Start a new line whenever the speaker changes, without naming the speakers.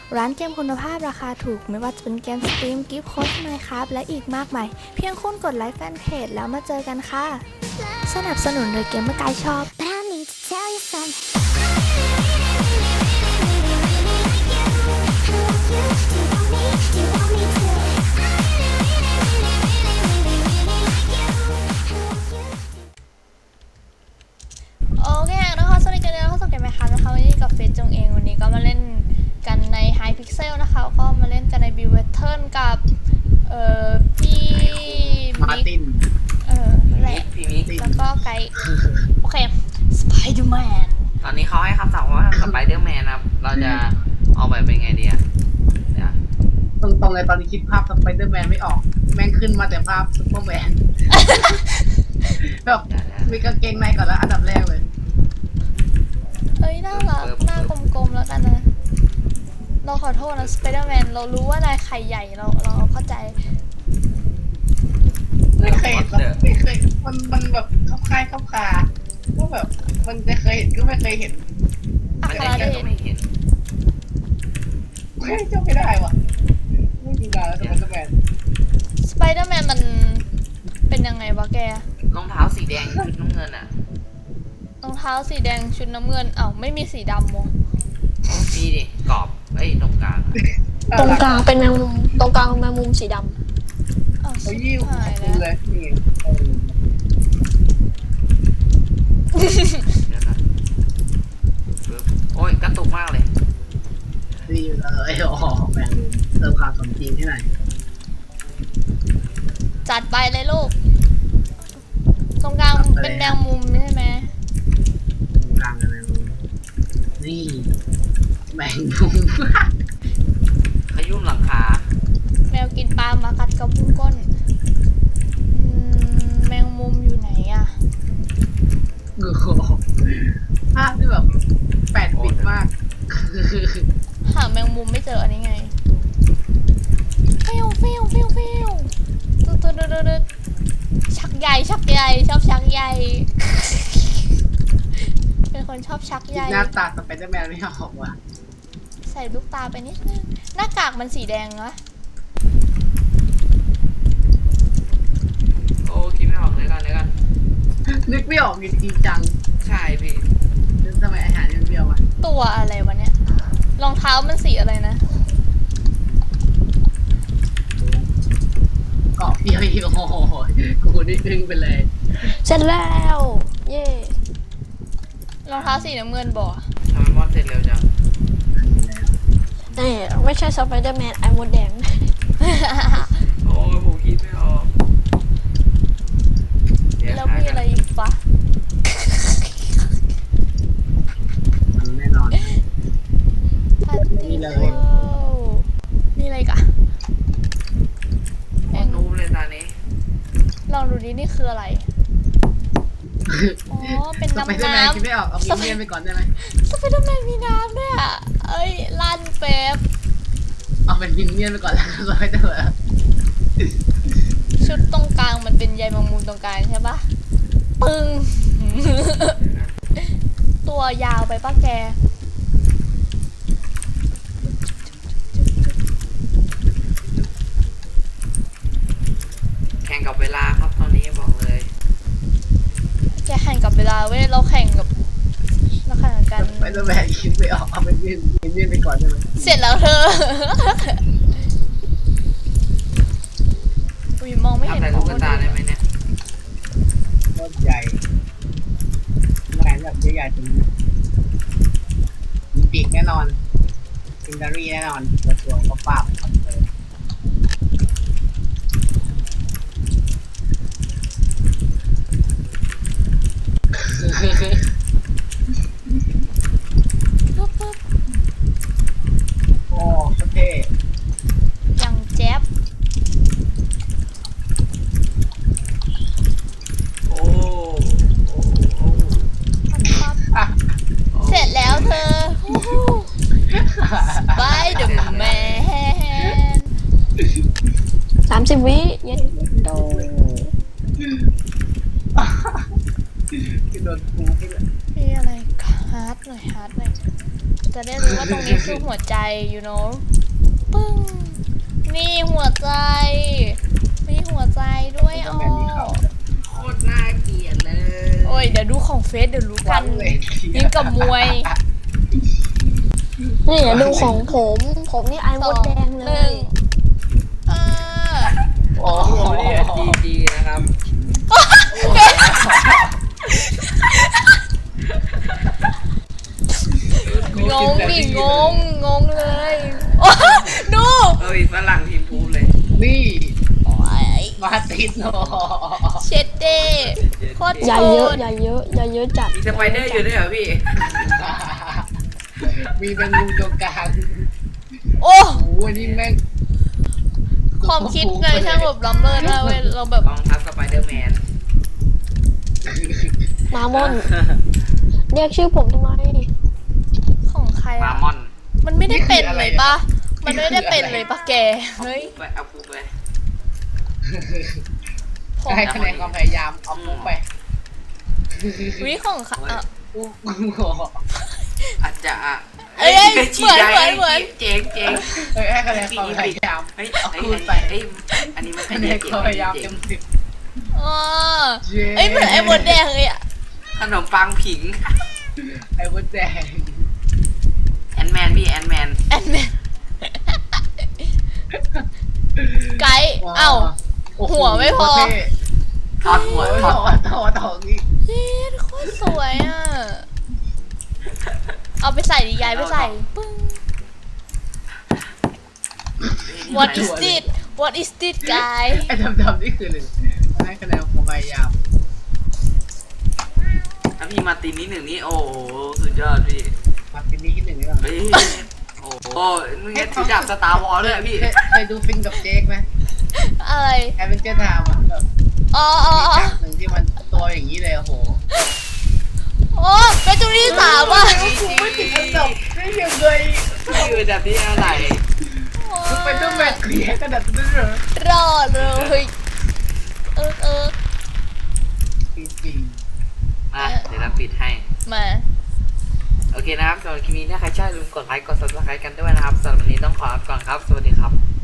ร้านเกมคุณภาพราคาถูกไม่ว่าจะเป็นเกมสตรีมกิฟต์โค้ด Minecraft และอีกมากมายเพียงคุณกดไลค์แฟนเพจแล้วมาเจอกันค่ะสนับสนุนโดยเกมเมอร์ไกด์ช็อป
But I need to tell you something. Do you want me to?
โอเคนะคะสวัสดีกันแล้วเข้าสู่เกมไหมคะนะคะวันนี้กับเฟซจงเองวันนี้ก็มาเล่นกันใน High Pixel นะคะก็มาเล่นกันใน Build Pattern กับพี่
มาร์ติน
แหละ
พี่มิก
แล้วก็ไกด์โอเค Spider-Man
ตอนนี้เขาให้คำสั่งว่าสไปเดอร์แมนครับ เราจะเอาไปเป็นไงดีอะเดี๋ยว
ตรงๆเลยตอนนี้คิดภาพสไปเดอร์แมนไม่ออก แม่งขึ้นมาแต่ภาพซุปเปอร์แมนแบบมีกางเกงในก่อนแล้วอันดับแรกเลย
เอ้ยน่ารักหน้ากลมๆแล้วกันนะเราขอโทษนะ Spider-Man เรารู้ว่านายไข่ใหญ่เราเข้าใจ
ไม่เคยเห็นหรอกไม่เคยมันแบบเข้าค่ายเข้าคาก็แบบมันจะเคยเห็นก็ไม่เคยเห็น
อัค
ไม่
รา
ได้
เด
ก็
ช
ไม่เห็น
เฮ้ยเจ้าไม่ได้ว่ะไม่ดูดาวแล้วสไปเดอร์แมน
Spider-Man มันเป็นยังไงวะแก
รองเท้าสีแดงชุดน้ำเงินอะ
รองเท้าสีแดงชุดน้ำเงินเอ้าไม่มีสีดำมั้ง
มีดิกรอบตรงกลางอะ
ตรงกลางเป็นแมงมุมตรงกลางเป็นแมงมุมสีด
อ้าว
เขา
ชิ
ยิ้ว
บหาย
ขอบ
แล้
คุณ
ว
เลยนี่
เดี๋ยวก่อนปึ๊บโอ้ยกระตุกมากเลย
ดีเลยโอ้โหแมงมุมเติมความสมจริงให้หน่อย
จัดไปเลยลูก ตรงกลางเป็นแมงมุมใช่ไหม
ตรงกลางเป็นแมงมุมนี่แมงมุม
ขยุ่มหลังคา
แมวกินปลามากัดกระพุ้งก้นแมงมุมอยู่ไหนอะ
โอ้โหภาพที่แบบแปดปิดมาก
หาแมงมุมไม่เจออันนี้ไงฟิวตุ๊ดชักใหญ่ชอบชักใหญ่ เป็นคนชอบชักใหญ่
หน้าตาสไปเดอร์แมนไม่ออกว่ะ
ใส่ลูกตาไปนิดนึงหน้ากากมันสีแดงนะ
โอ้คิดไม่ออกเลยกัน
นึกไม่ออกจริงจัง
ใช่พี่
ทำไมอาหารยังเดียวอ่ะ
ตัวอะไรวะเนี่ยรองเท้ามันสีอะไรนะ
เกาะเดียวอีกโอ้โหกูนี่ดึงไปเลย
ำเสร็จแล้ว เย่
รองเท้าสีน้ำเงินบ่
ทำไมมอดเสร็จเร็วจัง
นี่ไม่ใช่สไปเดอร์แมนไอมดแดง
โอ้ยผมคิดไม่ออกเดี๋ยว
แล้วมีอะไรอีกปะ
มันแน่นอน
ปาร์ตี้
นี่เลย
มีอะไรอีกอะ
โคตรนูบเลยตอนนี้
ลองดูดินี่คืออะไร อ๋อ เป็น
สไปเดอร์แมนคิดไม่ออกเอามินเนี่ยนไปก่อนได้ไหม
สไปเดอร์แมนมีน้ำด้วยอ่ะ เอ้ยลั่นเป๊ป
เอาเป็นมินเนี่ยนไปก่อนแล้วสไปเดอร์แมน
ชุดตรงกลางมันเป็นใยแมงมุมตรงกลางใช่ปะปึ้ง ตัวยาวไปปะแก
แข่งกับเวลาครับตอนนี้บอกเลย
แกแข่งกับเวลาเว้ยเราแข่งกัน
สไปเดอร์แมนคิดไม่ออกเอาเป็นมินเนี่ยนไปก่อนได้ไหม
เสร็จแล้วเธอ อุ้ยมองไม่เห็น
ทำแต่ลูกตาได้ไหมเนี่ย
โคตรใหญ่แมนแบบใหญ่ๆเป็นมีปีกแน่นอนซินดารี่แน่นอนตัวเขาปราบคอนเฟิร์ม
ปุ๊บปุ๊บ
โอ้โคตรเท่
อย่างแจ๊บ
โอ้โอ้โอ้
ปั๊บ
อ่ะ
เสร็จแล้วเธอไปเดอะแมน
30 วิเย็นโด
ที่โดนคูไปเลย
มีอะไรฮาร์ดหน่อยจะได้รู้ว่าตรงนี้คือหัวใจ you know ปึ้งนี่หัวใจมีหัวใจด้วยอ๋อ
โคตรน่าเกลียดเลย
โอ้ยเดี๋ยวดูของเฟซเดี๋ยวรู้กัน
เลย
ยิ่งกับมวย
นี่อย่าดูของผมนี่ไอ
ส
ม
อ
ด
ง
แดง
ห
เล
นึ่
ย
งอ่า
โอ้
โอ้
โห
โหเนี่ยดีนะครับ
งงดิงงเลยโอ้ดู
เอ้ยฝรั่งทีมพูเลย
นี่
โอ้ย
มาติดโน
เช็ดเด้โคตร
อย่า
โห
เยอะ
ด
อย่าเยอะอย่าเยอะจัด
มีสไปเดอร์อยู่ด้วยเหรอพี่
มีเป็นมุมตรงกลาง
โอ้
โอ้โหนี่แม่ง
ความคิดในช่างแบบล้ำเลิศมากเว้ยเราแบบ
กองทัพสไปเดอร์แมน
มามอน เรียกชื่อผมทำไม
ของใคร
มา
อะ
มอน
มันไม่ได้เป็นเลยปะมันไม่ได้เป็นเลยปะแกเฮ้ย
ไปเอาฟูไป
ผม
ให้คะแนนความพยายามเอาปุ๊บไป
วิของใครอะ
ปุ๊บ
อาจจะ
เอ้ยเหมือน
เจ๋งเจ๋ง
เฮ้ยให้คะแนนความพยายาม
เฮ้ย
เอา
เฮ้ย
คูณไป
เฮ้ยอันนี้มัน
คะแนนความพยายามเต็มสิบ
อ๋อเอ้ยเหมือนไอ้บดแดงเลยอะ
ขนมปังผิง
ไอ้วุ้นแดง
แอนแมนพี่แอนแมน
แอนแมนไกด์เอ้า
โอ้โ
หัวไม่พอ
ทอดหัว
โอ้ย
ทอด
ต่อนี่
เฮ้ยโคตรสวยอ่ะ เอาไปใส่ดิยายไปใส่ปึ้ง What is this What is this guy
ไอ้ดำๆนี่คือหนึ่งให้คะแนนความพยายาม
ถ้าพี่มาตีนี้หนึ่งนี่โอ้โหสุดยอดพี่
มาปีนี้ที่หนึ่งนี่ก่อน
เฮ้ยโอ้โหมึงเนี่ยถือดาบสตาร์วอลเลยอะพี่
เคยดูฟินกับเจคไหม
อะไร
แอดเวนเจอร์ไทม์อะแบบ
อ๋อ
มีฉากหนึ่งที่มันตัวอย่างนี้เลยโอ้โห
โอ้เป็นจุดที่สามอ่ะ
กูไม่ติดอันดับได้ยังไง
พี่คือแบบที่อะไร
กูเป็นต้องแบกเคลียร์กระดาษนั้นเหรอ
รอดเลยเออ
จริง
มาเดี๋ยวเราปิดให้
มา
โอเคนะครับสำหรับคลิปนี้ถ้าใครชอบอย่าลืมกดไลค์กด subscribe กันด้วยนะครับสำหรับวันนี้ต้องขอลาไปก่อนครับ สวัสดีครับ